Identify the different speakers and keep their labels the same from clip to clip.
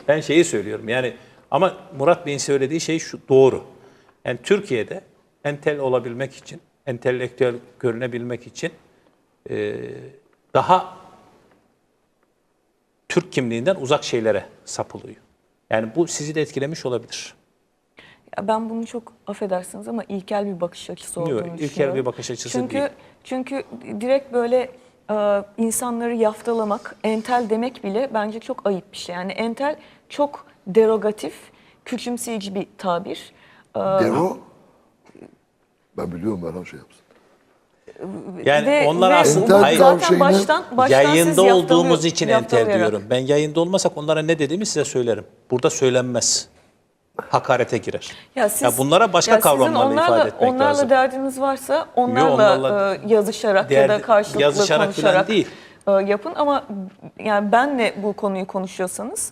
Speaker 1: Ben şeyi söylüyorum yani, ama Murat Bey'in söylediği şey şu doğru. Yani Türkiye'de entel olabilmek için, entelektüel görünebilmek için daha Türk kimliğinden uzak şeylere sapılıyor. Yani bu sizi de etkilemiş olabilir.
Speaker 2: Ya ben bunu çok affedersiniz ama ilkel bir bakış açısı olduğunu
Speaker 1: Yok,
Speaker 2: düşünüyorum.
Speaker 1: ilkel bir bakış açısı değil.
Speaker 2: Çünkü direkt böyle insanları yaftalamak, entel demek bile bence çok ayıp bir şey. Yani entel çok derogatif, küçümseyici bir tabir.
Speaker 3: Dero, ben biliyorum Merhan şey yapsın.
Speaker 1: Yani onlar aslında
Speaker 3: entel
Speaker 1: hayır,
Speaker 3: zaten
Speaker 2: baştan
Speaker 1: yayında
Speaker 2: siz
Speaker 1: olduğumuz için entel
Speaker 2: yaftalayarak.
Speaker 1: diyorum. Ben yayında olmasak onlara ne dediğimi size söylerim. Burada söylenmez. Hakarete girer. Ya bunlara başka kavramlarla ifade etmek
Speaker 2: onlarla
Speaker 1: lazım.
Speaker 2: derdiniz varsa onlarla yazışarak ya da karşılıklı
Speaker 1: yazışarak
Speaker 2: konuşarak
Speaker 1: değil.
Speaker 2: Yapın, ama yani benle bu konuyu konuşuyorsanız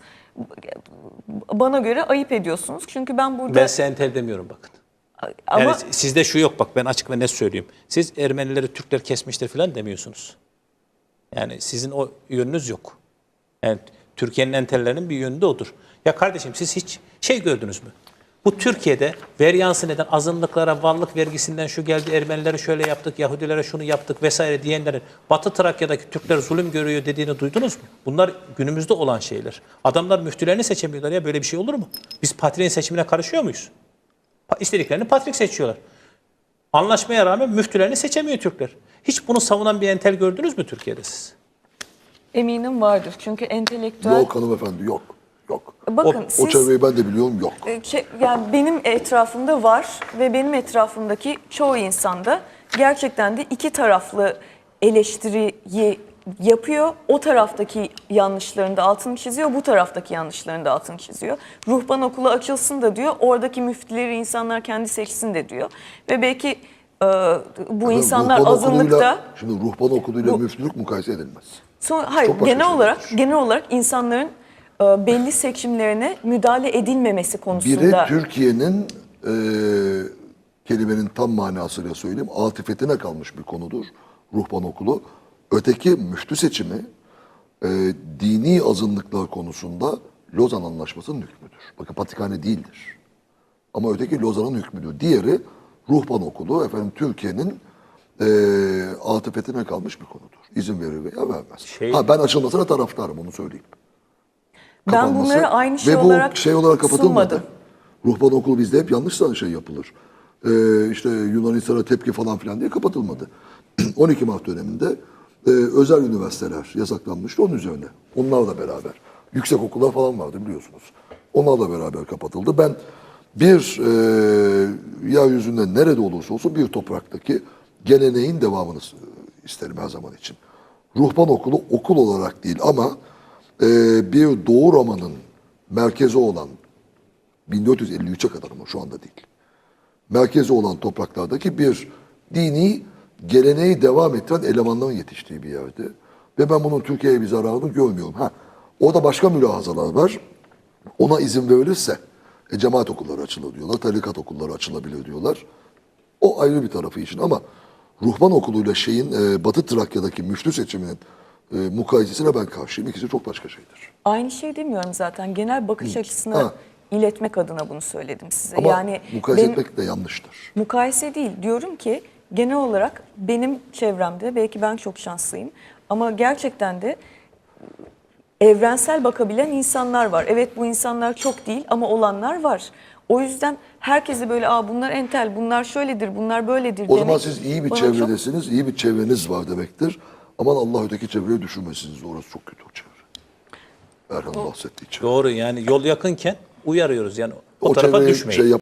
Speaker 2: bana göre ayıp ediyorsunuz. Çünkü ben burada...
Speaker 1: Ben size entel demiyorum bakın.
Speaker 2: Ama
Speaker 1: Yani sizde şu yok, bak ben açık ve net söyleyeyim. Siz Ermenileri Türkler kesmiştir falan demiyorsunuz. Yani sizin o yönünüz yok. Yani Türkiye'nin entellerinin bir yönü de odur. Ya kardeşim, siz hiç şey gördünüz mü? Bu Türkiye'de veryansı neden, azınlıklara varlık vergisinden şu geldi, Ermenilere şöyle yaptık, Yahudilere şunu yaptık vesaire diyenlerin Batı Trakya'daki Türkler zulüm görüyor dediğini duydunuz mu? Bunlar günümüzde olan şeyler. Adamlar müftülerini seçemiyorlar ya, böyle bir şey olur mu? Biz patriğin seçimine karışıyor muyuz? İstediklerini patrik seçiyorlar. Anlaşmaya rağmen müftülerini seçemiyor Türkler. Hiç bunu savunan bir entel gördünüz mü Türkiye'de siz?
Speaker 2: eminim vardır. Çünkü entelektüel...
Speaker 3: Yok hanımefendi, yok. Yok.
Speaker 2: Bakın
Speaker 3: O çevreyi ben de biliyorum, yok.
Speaker 2: Yani benim etrafımda var ve benim etrafımdaki çoğu insanda gerçekten de iki taraflı eleştiriyi yapıyor. O taraftaki yanlışlarını da altını çiziyor, bu taraftaki yanlışlarını da altını çiziyor. Ruhban okulu açılsın da diyor, oradaki müftüleri insanlar kendi seçsin de diyor. Ve belki bu insanlar
Speaker 3: Ruhban
Speaker 2: azınlıkta...
Speaker 3: okuluyla, şimdi ruhban okuluyla müftülük mukayese edilmez.
Speaker 2: Hayır,
Speaker 3: Çok başka
Speaker 2: genel olarak insanların belli seçimlerine müdahale edilmemesi konusunda.
Speaker 3: Biri Türkiye'nin kelimenin tam manasıyla söyleyeyim, atifetine kalmış bir konudur ruhban okulu. Öteki müftü seçimi dini azınlıklar konusunda Lozan Anlaşması'nın hükmüdür. Bakın Patrikhane değildir. Ama öteki Lozan'ın hükmüdür. Diğeri ruhban okulu efendim Türkiye'nin atifetine kalmış bir konudur. İzin verir veya vermez. Ben açılmasına taraftarım, onu söyleyeyim.
Speaker 2: Ben
Speaker 3: Kapanması.
Speaker 2: bunları aynı şey
Speaker 3: Ve bu
Speaker 2: olarak
Speaker 3: şey olarak kapatılmadı.
Speaker 2: sunmadım.
Speaker 3: Ruhban okulu bizde hep yanlış şey yapılır. İşte Yunanistan'a tepki falan filan diye kapatılmadı. 12 Mart döneminde özel üniversiteler yasaklanmıştı onun üzerine. Onlarla beraber. Yüksek okullar falan vardı biliyorsunuz. Onlarla beraber kapatıldı. Ben bir yeryüzünde nerede olursa olsun bir topraktaki geleneğin devamını isterim her zaman için. Ruhban okulu okul olarak değil ama bir Doğu Roma'nın merkezi olan 1453'e kadar ama şu anda değil. Merkezi olan topraklardaki bir dini geleneği devam ettiren elemanların yetiştiği bir yerdi. Ve ben bunun Türkiye'ye bir zararını görmüyorum. Orada başka mülahazalar var. Ona izin verilirse cemaat okulları açılır diyorlar, tarikat okulları açılabilir diyorlar. O ayrı bir tarafı için ama ruhban okuluyla Batı Trakya'daki müftü seçiminin mukayesesine ben karşıyım. İkisi çok başka şeydir.
Speaker 2: Aynı şey demiyorum zaten. Genel bakış açısını iletmek adına bunu söyledim size.
Speaker 3: Ama
Speaker 2: yani
Speaker 3: mukayese etmek de yanlıştır.
Speaker 2: Mukayese değil. Diyorum ki genel olarak benim çevremde, belki ben çok şanslıyım ama gerçekten de evrensel bakabilen insanlar var. Evet, bu insanlar çok değil ama olanlar var. O yüzden herkese böyle bunlar entel, bunlar şöyledir, bunlar böyledir
Speaker 3: O
Speaker 2: demek.
Speaker 3: zaman siz iyi bir çevredesiniz, iyi bir çevreniz var demektir. Aman Allah öteki çevreyi düşürmesiniz. Orası çok kötü o çevre. Erhan bahsettiği çevre.
Speaker 1: Doğru, yani yol yakınken uyarıyoruz yani o
Speaker 3: O
Speaker 1: tarafa
Speaker 3: çevreye
Speaker 1: düşmeyin.